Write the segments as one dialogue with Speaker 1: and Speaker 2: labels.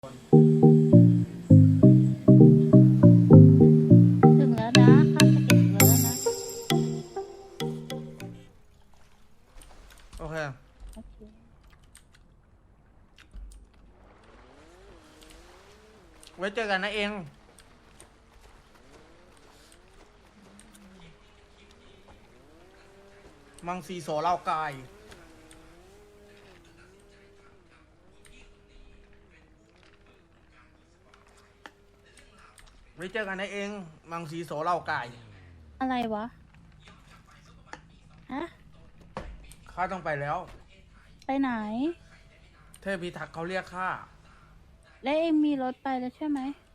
Speaker 1: ถึงแล้วนะข้ามสเก็ตถึงแล้วนะ
Speaker 2: โอเค
Speaker 1: โอเค
Speaker 2: ไว้เจอกันนะเองมังซีโสเล่ากายไว้เจอกันนะเองมังซีโสเล่ากาย
Speaker 1: อะไรวะฮะ
Speaker 2: ข้าต้องไปแล้ว
Speaker 1: ไปไหน
Speaker 2: เทพพิทักษ์เขาเรียกข้า
Speaker 1: แล้วเองมีรถไปแล้วใช่ไหม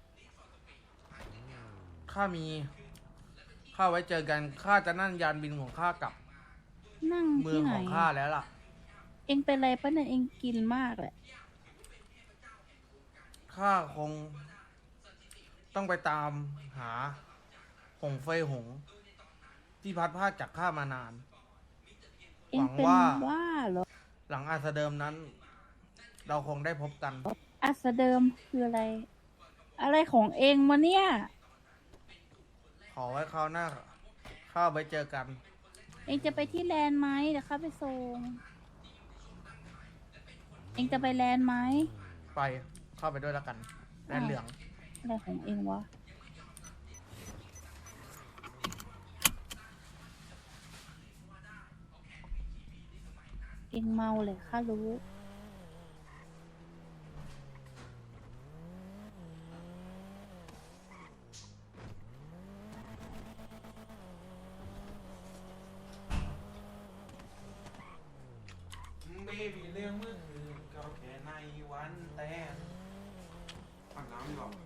Speaker 2: ข้ามีข้าไว้เจอกันข้าจะนั่งยานบินของข้ากลับ
Speaker 1: นั่ง
Speaker 2: เมือ
Speaker 1: ที่
Speaker 2: ง
Speaker 1: ไหน
Speaker 2: ของข้าแล้วล่ะ
Speaker 1: เองเป็นอะไรปะเนี่ยเองกินมากแหละ
Speaker 2: ข้าคง ต้องไปตามหาหงเฟยหง ที่พัดพรากจากข้ามานาน
Speaker 1: เองเป็น
Speaker 2: หวังว่า
Speaker 1: ว่าเหรอ
Speaker 2: หลังอาสเดิมนั้น เราคงได้พบกัน
Speaker 1: อัสเดิมคืออะไร อะไรของเองวะเนี่ย
Speaker 2: ขอไว้คราวหน้าข้าไว้เจอกัน
Speaker 1: เองจะไปที่แลนด์ไหมเดี๋ยวข้าไปส่ง เองจะไปแลนด์ไหม
Speaker 2: ไปเข้าไปด้วยแล้วกันแดนเหลือง
Speaker 1: อะไรของเองวะ เองเมาเลยข้ารู้
Speaker 2: เบบีเรื่องเมื่อคืนก็แค่ในวันแต่ปักน้ำดีกว่า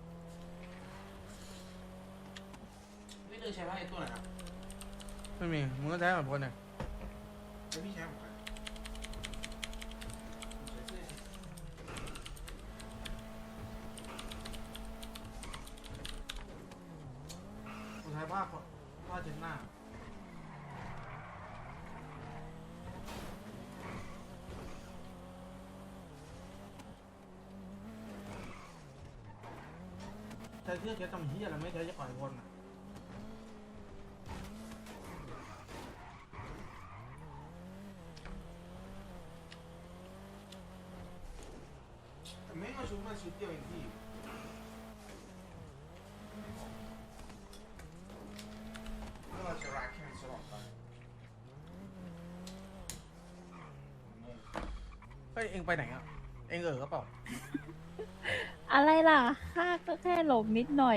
Speaker 2: ไม่เคยใช้ผ้าไอ้ตัวไหนครับไม่มีมึงก็ใช้เหมือนพลเนี่ยไม่พี่ใช้ของใครผมใช้ผ้าเช็ดหน้าใช้เสื้อเช็ดทำเหี้ยอะไรไม่ใช้จะปล่อยคนอ่ะแต่ไม่มาชุดมาชุดเดียวเองพี่ไม่ว่าจะรักแค่ตลอดไปเฮ้ยเองไปไหนอ่ะเองก็เปล่า
Speaker 1: อะไรล่ะข้าก็แค่หลบนิดหน่อย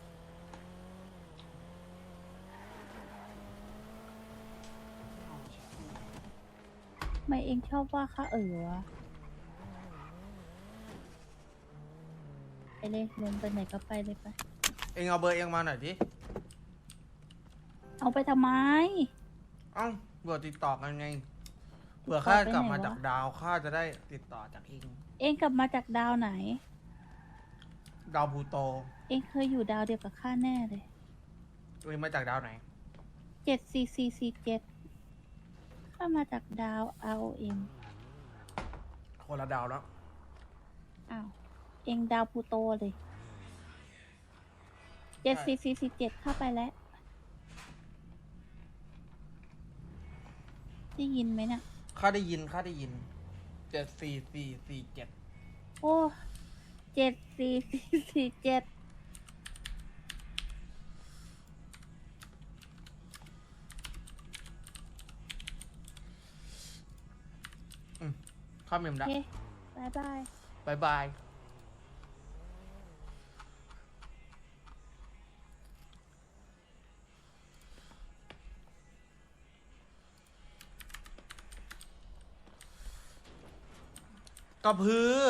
Speaker 1: ทำไมเองชอบว่าข้าวะไปเลยลงไปไหนก็ไปเลยไป
Speaker 2: เองเอาเบอร์เองมาหน่อยดิ
Speaker 1: เอาไปทำไม
Speaker 2: เอ้าเผื่อติดต่อกันไงเผื่อข้ากลับมาจากดาวข้าจะได้ติดต่อจากเอง
Speaker 1: เองกลับมาจากดาวไหน
Speaker 2: ดาวพลูโต
Speaker 1: เองเคยอยู่ดาวเดียวกับข้าแน่เลย
Speaker 2: เองมาจากดาวไหน
Speaker 1: 74447ข้ามาจากดาว ROM
Speaker 2: คนละดาวแล้ว
Speaker 1: อ้าว เองดาวพลูโตเลย74447เข้าไปแล้ว ได้ยินไหมเนี่ย
Speaker 2: ข้าได้ยิน74447
Speaker 1: โอ้74447
Speaker 2: ข้าเมม
Speaker 1: โอ
Speaker 2: ละ
Speaker 1: เคบายบาย
Speaker 2: บายบายกระพือ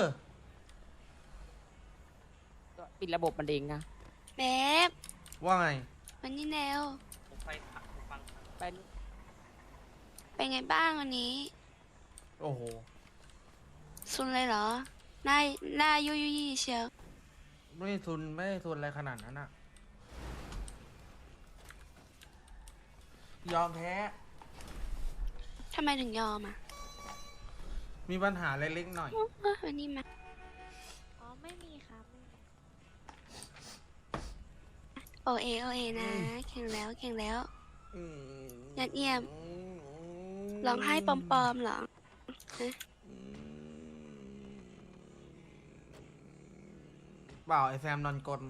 Speaker 3: ก็ปิดระบบมันเองนะ
Speaker 4: เบ๊บ
Speaker 2: ว่าไง
Speaker 4: วันนี้แนว
Speaker 3: ไป
Speaker 4: เป็นไงบ้างวันนี้
Speaker 2: โอ้โห
Speaker 4: ซุนเลยเหรอ หน้ายุยยุยเชียว
Speaker 2: ไม่ได้ทุนอะไรขนาดนั้นอะยอมแพ้
Speaker 4: ทำไมถึงยอมอ่ะ
Speaker 2: มีปัญหาเล็กๆหน่อย
Speaker 4: วันนี้มา
Speaker 5: อ๋อ ไม่มีค่ะ
Speaker 4: โอเอโอเอนะเก่งแล้วเก่งแล้วยอดเยี่ยมร้องไห้ปลอมๆเหรอฮะ
Speaker 2: เปล่าไอแซมนอนกลน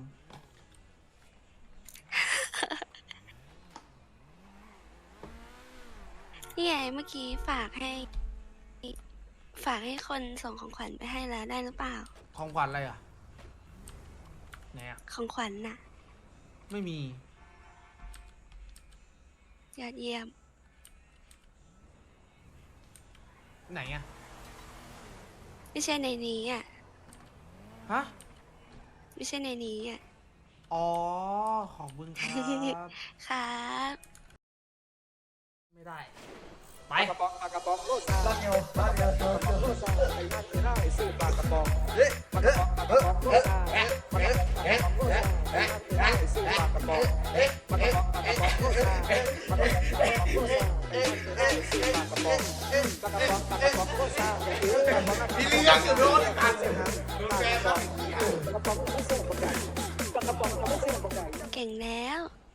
Speaker 4: นี่ไงเมื่อกี้ฝากให้คนส่งของขวัญไปให้แล้วได้หรือเปล่า
Speaker 2: ของขวัญอะไรอ่ะไหนอ่ะ
Speaker 4: ของขวัญน่ะ
Speaker 2: ไม่มี
Speaker 4: ยอดเยี่ยม
Speaker 2: ไหนอ่ะ
Speaker 4: ไม่ใช่ในนี้อ่ะ
Speaker 2: ฮะ
Speaker 4: ไม่ใช่ในนี้อ่ะ
Speaker 2: อ๋อ ขอบคุณครับ
Speaker 4: ครับ
Speaker 2: ไม่ได้ ไป
Speaker 5: ปลากระป๋องปลากระป๋องโลดปลาเนียวปลาเนียวปลากระป๋องโลดไอ้นั่นไม่ได้ซื้อปลากระป๋องปลากระป๋องปลากระป๋องโลดปลากระป๋องโลดไอ้นั่นไม่ได้ซื้อปลากระป๋องปลากระป๋องปลากระป๋องโลดปลากระป๋องปลากระป๋องโลดไอ้นั่นไม่ได้ซื้อปลากระป๋องปลากระป๋องปลากระป๋องโลดพี่เลี้ยงอยู่โดนกันโดนแกครับปลากระป๋องไม่ใช่ปลาไก่ปลากระป๋องไม่ใช่ปลาไก่
Speaker 4: เก่งแล้ว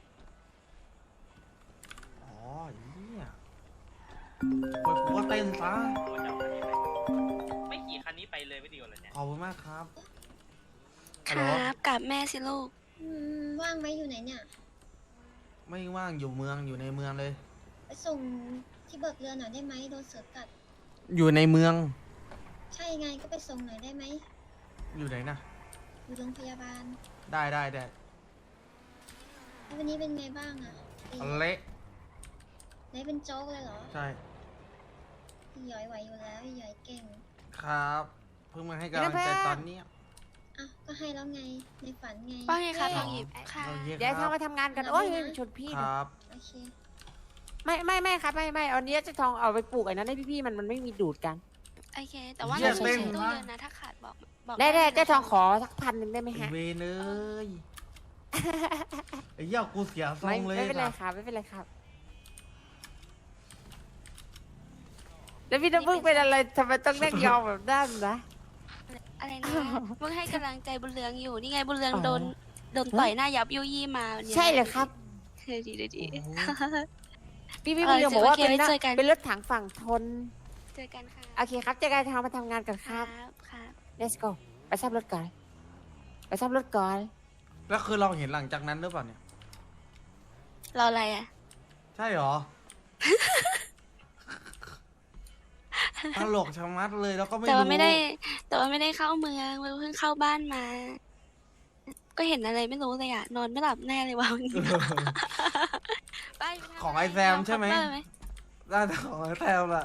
Speaker 2: อ๋อเนี่ยปวดหัวเต้นซะ
Speaker 3: ตัวจะเอาคันนี้ไปไม่ขี่คันนี้ไปเลยไม่ดีกว่าเลยเนี่ย
Speaker 2: ขอบคุณมากครับ
Speaker 4: ค
Speaker 2: ฮัลโหล
Speaker 4: รับกับแม่สิลูก
Speaker 1: ว่างไหมอยู่ไหนเนี่ย
Speaker 2: ไม่ว่างอยู่เมืองอยู่ในเมืองเลย
Speaker 1: ไปส่งที่เบิกเรือหน่อยได้ไหมโดนเสือกัด
Speaker 2: อยู่ในเมือง
Speaker 1: ใช่ไงก็ไปส่งหน่อยได้ไหม
Speaker 2: อยู่ไหนนะ
Speaker 1: อยู่โรงพยาบาล
Speaker 2: ได้
Speaker 1: แล้ววันนี้เป็นไงบ้างอะตี
Speaker 2: เละ
Speaker 1: ได้เป็นโจ๊กเลยเหรอ
Speaker 2: ใช่
Speaker 1: พี่หยอยไหวอยู่แล้วพี่หยอยเก่ง
Speaker 2: ครับ เพิ่งมาให้กำลังใจตอนเนี้ย
Speaker 1: อ่ะก็ให้แล้วไงในฝันไง
Speaker 4: ว่าไงครับ
Speaker 2: อ๋อ
Speaker 4: น้องหยิบค่ะ
Speaker 2: เราเย
Speaker 6: เดี๋ยว
Speaker 2: ค
Speaker 6: ทอง
Speaker 2: รับ
Speaker 6: มาทำงานกัน
Speaker 1: เรา
Speaker 6: โอ้ย
Speaker 1: ไม่นะ
Speaker 6: ชนพี่
Speaker 2: ค
Speaker 6: นะ
Speaker 2: รับ
Speaker 1: โอเค
Speaker 6: ไม่ครับไม่วันนี้จะทองเอาไปปลูกไอ้นั้นให้พี่ๆมันไม่มีดูดกัน
Speaker 4: โอเค แต่ว่า
Speaker 2: เยี่ย
Speaker 4: เรา
Speaker 2: ม
Speaker 4: ใช้
Speaker 2: เต้น
Speaker 4: ตู้
Speaker 2: นะ
Speaker 4: เยอะนะ ถ้าขาดบอก
Speaker 6: ได้
Speaker 4: นะ
Speaker 6: เจ้าทองขอสัก1,000ได้ไหมฮะ
Speaker 2: เวเนยไอ้เหี้ยกูเสียทร
Speaker 6: ไม่
Speaker 2: งเลย
Speaker 6: ไม่เป็นไร
Speaker 2: ค่ะ
Speaker 6: ครับไม่เป็นไรครับ แล้วพี่น้ำพึ่งเป็นอะไรทำไมต้องนั่งยองแบบนั้นนะ
Speaker 4: อะไรนะเพิ่งให้กำลังใจบุญเรืองอยู่ นี่ไงบุญเรือง
Speaker 6: อ๋อ
Speaker 4: โดนต่อยหน้ายับยุยี่มาวันนี้
Speaker 6: ใช่เลยครับ
Speaker 4: ดีดี
Speaker 2: โอ้โห
Speaker 6: พี่เรียงบอกว่า
Speaker 4: โอเค
Speaker 6: เป็น
Speaker 4: ไว้เจอกัน
Speaker 6: เป็นรถถังฝั่งทน
Speaker 4: เจอกันค่ะ
Speaker 6: โอเคครับเจอกันทองมาทำงานกันค
Speaker 4: ค
Speaker 6: รั
Speaker 4: รั
Speaker 6: บบ
Speaker 4: ครับ
Speaker 6: let's go ไปซ่อมรถก่อนไปซ่อมรถก่อน
Speaker 2: แล้วคือเราเห็นหลังจากนั้นหรือเปล่าเนี่ย
Speaker 4: รออะไรอ่ะ
Speaker 2: ใช่เหรอ ตลกชะมัดเลยแล้วก็ไม่
Speaker 4: แต่
Speaker 2: รู้
Speaker 4: ว่าไม่ได้เข้าเมืองเพิ่งเข้าบ้านมา ก็เห็นอะไรไม่รู้เลยอ่ะ นอนไม่หลับแน่เลยวันนี้ไปทำ
Speaker 2: ของไอแซมใช่ไหม
Speaker 4: ลองคัพเตอร์
Speaker 2: ได้แต่ของไอแซมอะ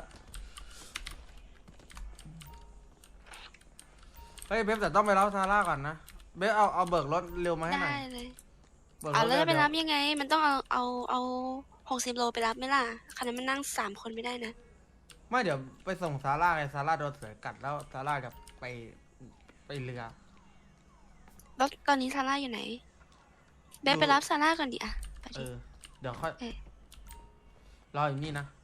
Speaker 2: เฮ้ยเบฟแต่ต้องไปรับซาร่าก่อนนะเบฟเอาเบิกรถเร็วมาให้หน่อย
Speaker 4: ได้เลย
Speaker 2: เบิกร
Speaker 4: เอา
Speaker 2: ถ
Speaker 4: แล้วจะไป
Speaker 2: เร็ว
Speaker 4: รับยังไง มันต้องเอา60 โลไปรับไหมล่ะคันนั้นมันนั่ง3 คนไม่ได้นะ
Speaker 2: ไม่เดี๋ยวไปส่งซาร่าไงซาร่าโดนเสือกัดแล้วซาร่าจะไปเรือ
Speaker 4: แล้วตอนนี้ซาร่าอยู่ไหนเบนไปรับซาร่าก่อนดิอ่ะไป
Speaker 2: เอ
Speaker 4: ดิ
Speaker 2: อ เดี๋ยวค่อย
Speaker 4: เอ๊ะ
Speaker 2: รออยู่นี่นะ